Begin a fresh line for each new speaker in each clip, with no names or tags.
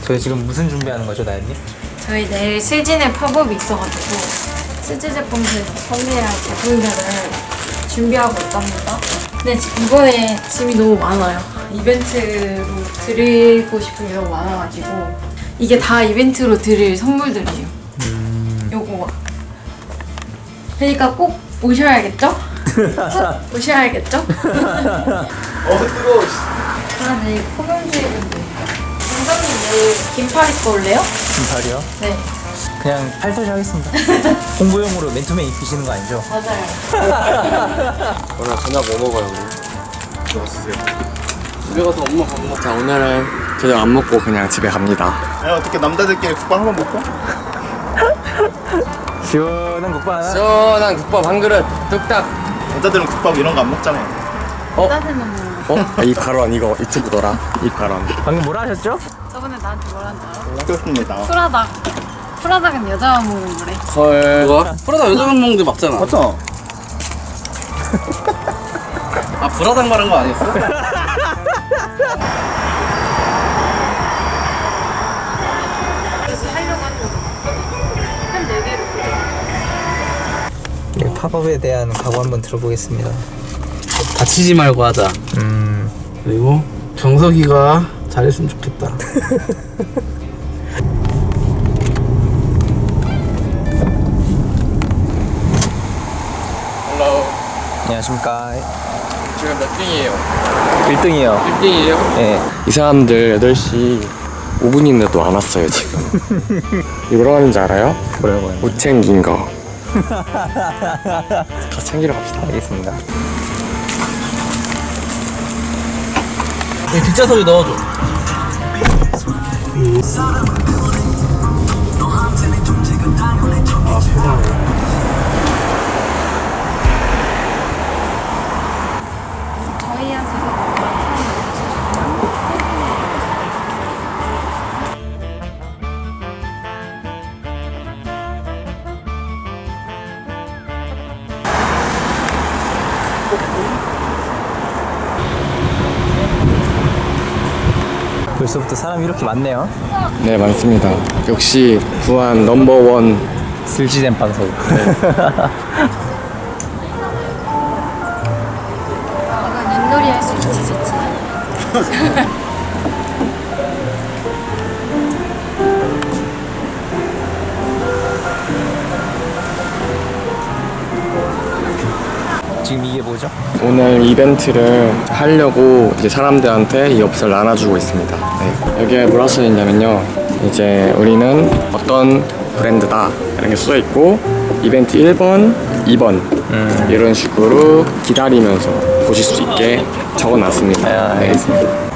저희 지금 무슨 준비하는 거죠, 나연님?
저희 내일 슬진의 팝업이 있어가지고 슬진 제품에서 판매할 제품들을 준비하고 있답니다. 근데 이번에 짐이 너무 많아요. 이벤트로 드리고 싶은 게 너무 많아가지고 이게 다 이벤트로 드릴 선물들이에요. 요거 그러니까 꼭 오셔야겠죠? 꼭 오셔야겠죠?
뜨거워.
아, 내일 포경주의분들 선생님 내일 긴팔 입고 올래요?
긴팔이요?
네,
그냥 팔토시 하겠습니다. 홍보용으로 맨투맨 입히시는 거 아니죠?
맞아요.
오늘 저녁 뭐 먹어요, 우리? 저거 쓰세요. 집에 가서 엄마 밥 먹자. 오늘은 저녁 안 먹고 그냥 집에 갑니다.
야, 어떻게 남자들끼리 국밥 한번 먹고?
시원한 국밥 하나?
시원한 국밥 한 그릇 뚝딱.
여자들은 국밥 이런 거 안 먹잖아.
짜증나는
이 발언 이거 유튜브더라. 이 발언.
방금 뭐라 하셨죠?
저번에 나한테 뭐라는 줄 알아?
그렇습니다.
프라닭은 여자만 먹는 거래.
헐. 뭐야? 프라다 여자만 먹는데 맞잖아.
맞죠?
아 브라당 말한 거 아니었어?
그래서 하려고 하는 거죠. 한 4개로
네, 팝업에 대한 각오 한번 들어보겠습니다.
다치지 말고 하자. 그리고 정석이가 잘했으면 좋겠다.
헬로.
안녕하십니까.
지금 몇 등이에요?
1등이요.
1등이에요?
네.
이 사람들 8시 5분인데도 안 왔어요 지금. 이거 뭐라고 하는지 알아요?
뭐라고 하는
못 챙긴 거. 다 챙기러 갑시다.
알겠습니다.
뒷좌석에 넣어줘.
벌써부터 사람이 이렇게 많네요.
네 많습니다. 역시 부안 넘버원.
슬지된 방송.
이건 윷놀이 할 수 있지, 좋지.
지금 이게 뭐죠?
오늘 이벤트를 하려고 이제 사람들한테 이 엽서를 나눠주고 있습니다. 네. 여기에 뭐라 써 있냐면요. 이제 우리는 어떤 브랜드다 이런 게 써 있고 이벤트 1번, 2번 이런 식으로 기다리면서 보실 수 있게 적어놨습니다. 네.
알겠습니다.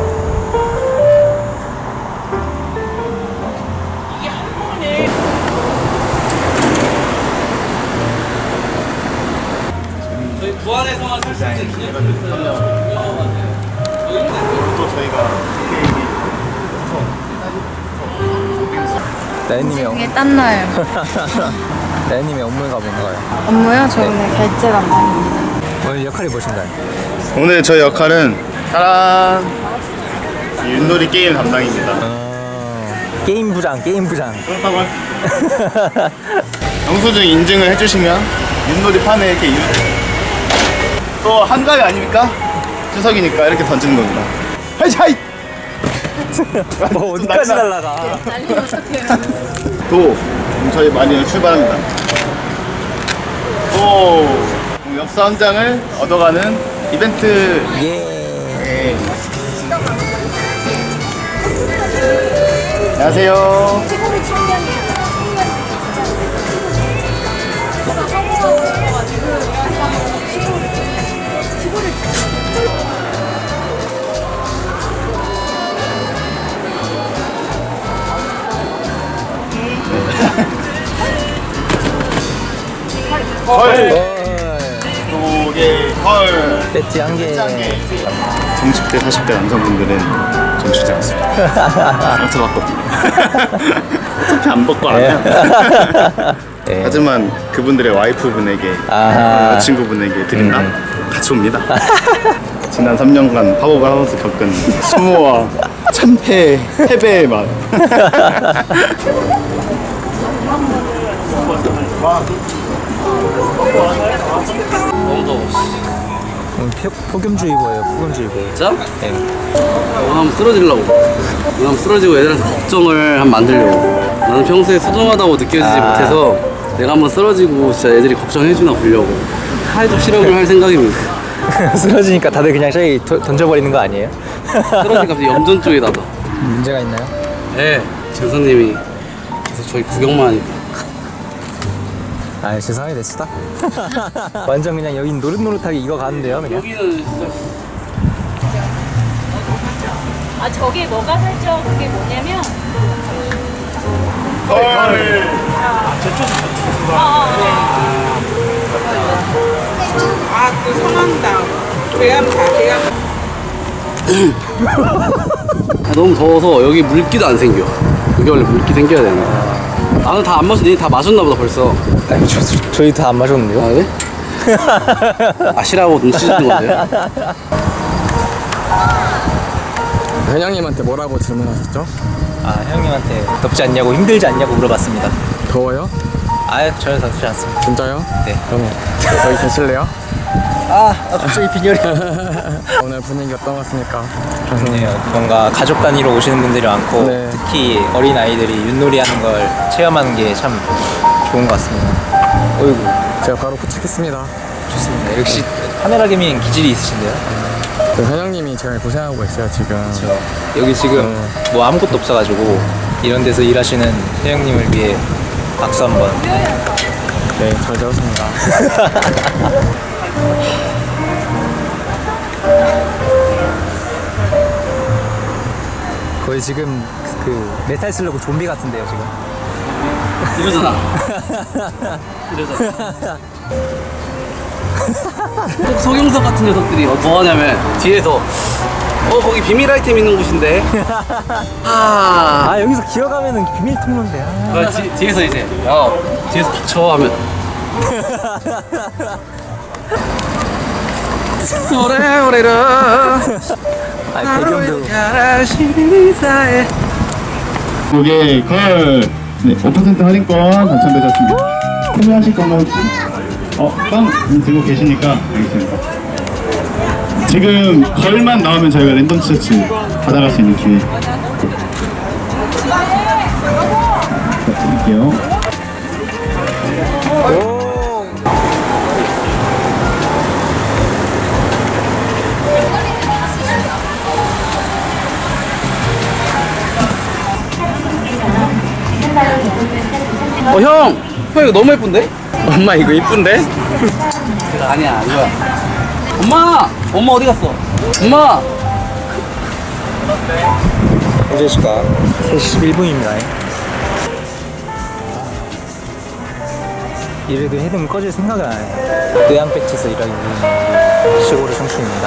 부안에서만 살수 있는 기념품.
또 저희가
나연님의
이게 땀나요.
나연님의 업무가 뭔가요?
업무요? 저 오늘 결제 담당입니다.
오늘 역할이 무엇인가요?
오늘 저희 역할은 짜란 윷놀이 게임 담당입니다.
게임 부장, 게임 부장.
영수증 인증을 해주시면 윷놀이 판에 이렇게 또 한가위 아닙니까? 추석이니까 이렇게 던지는 겁니다. 하이샤이!
뭐 어디까지 날라가?
날리면 어떡해요.
도 저희 마리는 출발합니다. 오 엽서 한 장을 얻어가는 이벤트.
예.
안녕하세요. 헐. 도개 헐.
배지 한 개.
30대 40대 남성분들은 좀 주지 않습니다. 상처받고 어차피 안 벗고 안 해요.
예.
하지만 그분들의 와이프분에게
아하.
여자친구분에게 드린다? 같이 옵니다. 지난 3년간 팝업을 하면서 겪은 수모와 참패 패배의 맛.
너무 더워.
폭염주의보예요. 폭염주의보.
진짜?
네.
오늘 한번 쓰러지려고. 오늘 한번 쓰러지고 애들한테 걱정을 한번 만들려고. 나는 평소에 소중하다고 느껴지지 못해서 내가 한번 쓰러지고 진짜 애들이 걱정해주나 보려고. 사회적 실험을 할 생각입니다.
쓰러지니까 다들 그냥 저기 던져버리는 거 아니에요?
쓰러지니까 갑자기 염전 쪽에다가.
문제가 있나요?
네, 전선님이 계속 저희 구경만 하니까.
아 세상에 됐다. 완전 그냥 여긴 노릇노릇하게 이거 가는데요 그냥.
여기는 진짜
아 저게 뭐가 살쪄 그게 뭐냐면
그 성황당 계암
너무 더워서 여기 물기도 안 생겨. 여기 원래 물기 생겨야 되는데. 나는 다 안 마셨는데 다 마셨나 보다 벌써.
아니 저희 다 안 마셨는데요?
아 그래? 아시라고 눈치 주는 건데요?
회장님한테 뭐라고 질문하셨죠?
아 형님한테 덥지 않냐고 힘들지 않냐고 물어봤습니다.
더워요?
아 전혀 덥지 않습니다.
진짜요?
네.
그럼 여기 계실래요?
갑자기 빈혈이.
오늘 분위기 어떤 것 같습니까?
좋네요. 뭔가 가족 단위로 오시는 분들이 많고
네.
특히 어린 아이들이 윷놀이 하는 걸 체험하는 게 참 좋은 것 같습니다. 어이구
제가 바로 포착했습니다.
좋습니다. 역시 카메라계민 기질이 있으신데요.
그 회장님이 제가 고생하고 있어요 지금.
여기 지금 뭐 아무것도 없어가지고 이런 데서 일하시는 회장님을 위해 박수 한번.
네, 잘 들었습니다.
거의 지금 그 메탈 슬러그 좀비 같은데요 지금.
이러잖아. 이러잖아. 꼭 성형석 같은 녀석들이 뭐 하냐면 뒤에서 거기 비밀 아이템 있는 곳인데.
아 여기서 기어가면은 비밀 통로인데.
뒤에서 이제 야 뒤에서 닥쳐 하면 오래오래라
아 배경도.
고객 걸. 네, 5% 할인권 당첨되셨습니다. 구매하실 건가요 혹시? 빵 들고 계시니까 알겠습니다. 지금 걸만 나오면 저희가 랜덤 티셔츠 받아갈 수 있는 기회. 자, 드릴게요.
형 이거 너무 예쁜데?
엄마 이거 이쁜데?
아니야 이거야. 엄마 어디 갔어? 엄마
현재 시각 3시 11분입니다. 이래도 해등 꺼질 생각은 안 해요. 의향배치에서 일하기 위한 시골의 청춘입니다.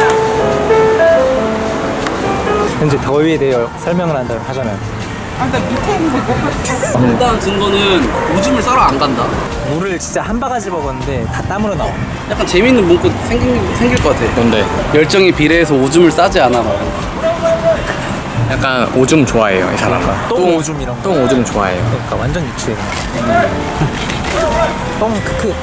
현재 더위에 대해 설명을 하자면
일단 증거는 오줌을 싸러 안 간다.
물을 진짜 한 바가지 먹었는데 다 땀으로 나와.
약간 재밌는 문구 생길 것 같아.
뭔데?
열정에 비례해서 오줌을 싸지 않아.
약간 오줌 좋아해요 이 사람.
똥 오줌 이런 거.
똥 오줌 좋아해요.
그러니까 완전 유치해. 똥 크크.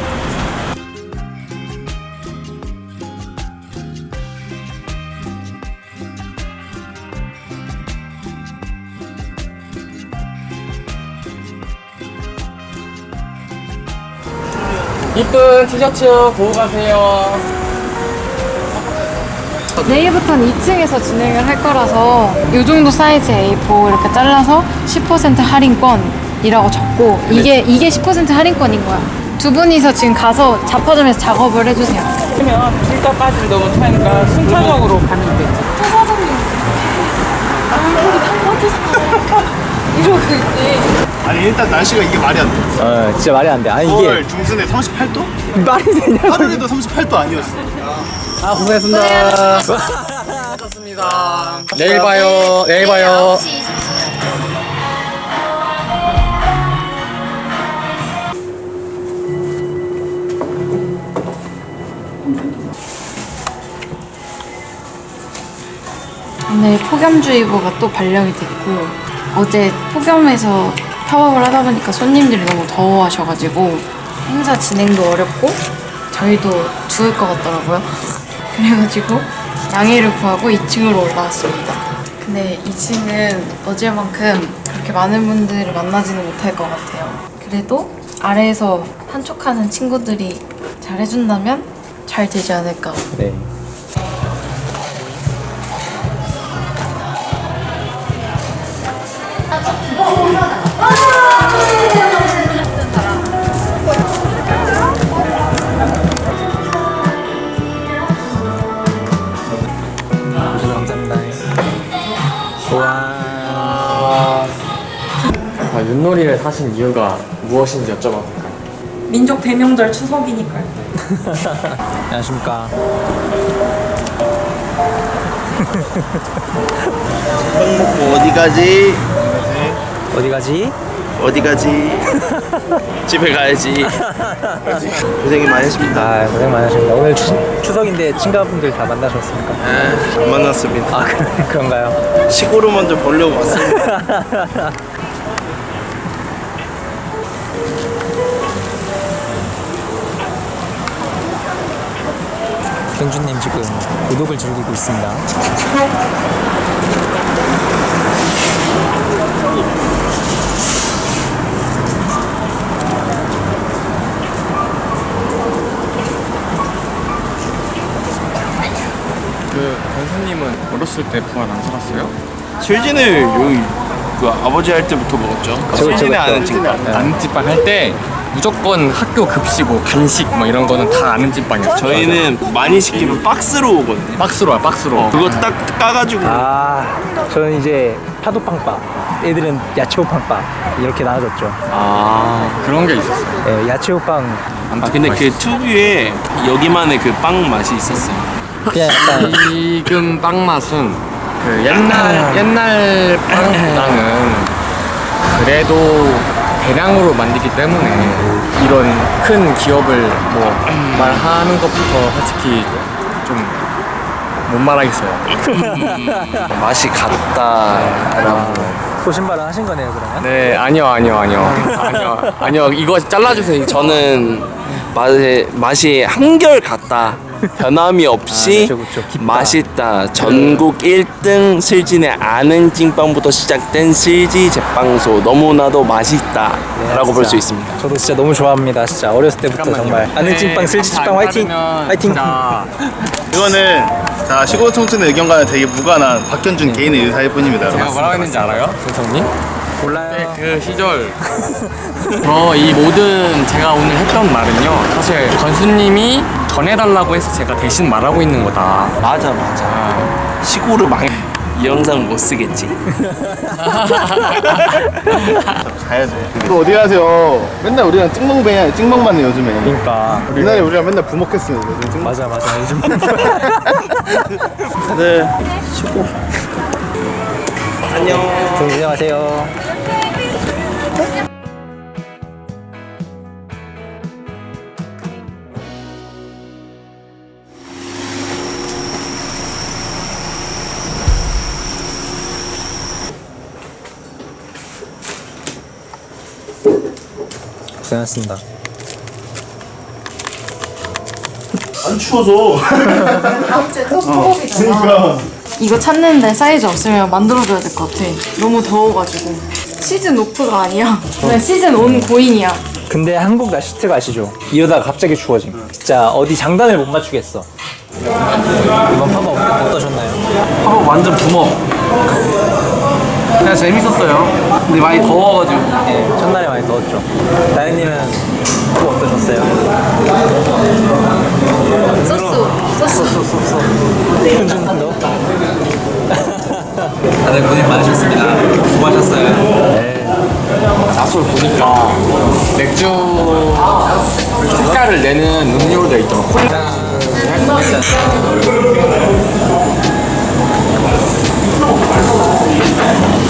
이쁜 티셔츠 보고 가세요.
내일부터는 2층에서 진행을 할 거라서 이 정도 사이즈 A4 이렇게 잘라서 10% 할인권이라고 적고 이게 10% 할인권인 거야. 두 분이서 지금 가서 잡화점에서 작업을 해주세요.
그러면 필터까지 너무 차니까 순차적으로 가면 되지.
이러고 있지.
아니 일단 날씨가 이게 말이 안 돼.
진짜 말이 안 돼. 아니 이게
9월 중순에 38도?
말이 되냐?
하루에도 38도 아니었어.
아 고생했습니다.
수고하셨습니다. 내일 봐요. 내일 봐요.
오늘 폭염주의보가 또 발령이 됐고 어제 폭염에서 팝업을 하다 보니까 손님들이 너무 더워하셔가지고 행사 진행도 어렵고 저희도 죽을 것 같더라고요. 그래가지고 양해를 구하고 2층으로 올라왔습니다. 근데 2층은 어제만큼 그렇게 많은 분들을 만나지는 못할 것 같아요. 그래도 아래에서 한촉하는 친구들이 잘 해준다면 잘 되지 않을까.
네. 감사합니다. 와.
윷놀이를 사신 이유가 무엇인지 여쭤봐도 될까요?
민족 대명절 추석이니까요.
안녕하십니까.
먹고 어디 가지?
어디 가지?
어디 가지? 집에 가야지. 고생이 많으십니다.
아, 고생 많으십니다. 오늘 추석인데 친가분들 다 만나셨습니까?
안 만났습니다.
아, 그런가요?
시골을 먼저 보려고 왔습니다.
경준님 지금 구독을 즐기고 있습니다.
그 권수님은 어렸을 때 부활 안 살았어요?
실진을 여기 그 아버지 할 때부터 먹었죠. 실진에 아는 찐빵.
아는 찐빵 할 때 무조건 학교 급식 뭐 간식 뭐 이런 거는 다 아는 찐빵이었어요.
저희는 많이 시키면 박스로 오거든요.
박스로 와 박스로.
그거 딱 까가지고
아, 저는 이제 파도빵밥, 애들은 야채호빵밥 이렇게 나눠졌죠.
아 그런 게 있었어요.
네, 야채호빵
근데 그 특유의 여기만의 그 빵 맛이 있었어요.
그냥 약간
지금 빵 맛은 그 옛날 빵보다는 그래도 대량으로 만들기 때문에 이런 큰 기업을 뭐 말하는 것부터 솔직히 좀 못 말하겠어요.
맛이 같다라고.
소신발언 하신 거네요, 그러면?
네 아니요 이거 잘라주세요.
저는 맛이 한결 같다. 변함이 없이
그쵸, 그쵸. 깊다.
맛있다. 전국 1등 슬진의 아는 찐빵부터 시작된 슬지 제빵소 너무나도 맛있다 라고 볼 수 있습니다.
저도 진짜 너무 좋아합니다. 진짜 어렸을 때부터 정말 아는 찐빵, 슬지 찐빵 화이팅! 화이팅!
이거는 자 시골 청춘의 의견과는 되게 무관한 박현준 개인의 의사일 뿐입니다.
제가 뭐라고 했는지 알아요? 선생님?
몰라요.
그 시절 이 모든 제가 오늘 했던 말은요 사실 건수님이 전해달라고 해서 제가 대신 말하고 있는 거다.
맞아. 시골을 이 영상 못 쓰겠지. 가야 돼. 또 어디 가세요? 맨날 우리랑 찍먹만 해 요즘에.
그러니까
옛날에 우리랑 맨날 부먹했어요.
맞아 요즘
다들 쉬고. 안녕.
안녕하세요. 고생하셨습니다.
안 추워서.
다음 주에 또 팝업이잖아.
그러니까.
이거 찾는데 사이즈 없으면 만들어줘야 될 것 같아. 너무 더워가지고. 시즌 오프가 아니야. 그냥 시즌 온 고인이야.
근데 한국 날씨 특 아시죠? 이러다가 갑자기 추워짐. 진짜 어디 장단을 못 맞추겠어. 이번 팝업 어떠셨나요?
팝업 완전 붐업. 그냥 재밌었어요. 근데 많이 더워가지고.
네, 첫날에 많이 더웠죠. 다현님은 또 어떠셨어요?
소스.
현준도?
다들 고생 많으셨습니다. 수고하셨어요.
나솔 보니까 맥주 색깔을 내는 음료도 있더라고. 콜라.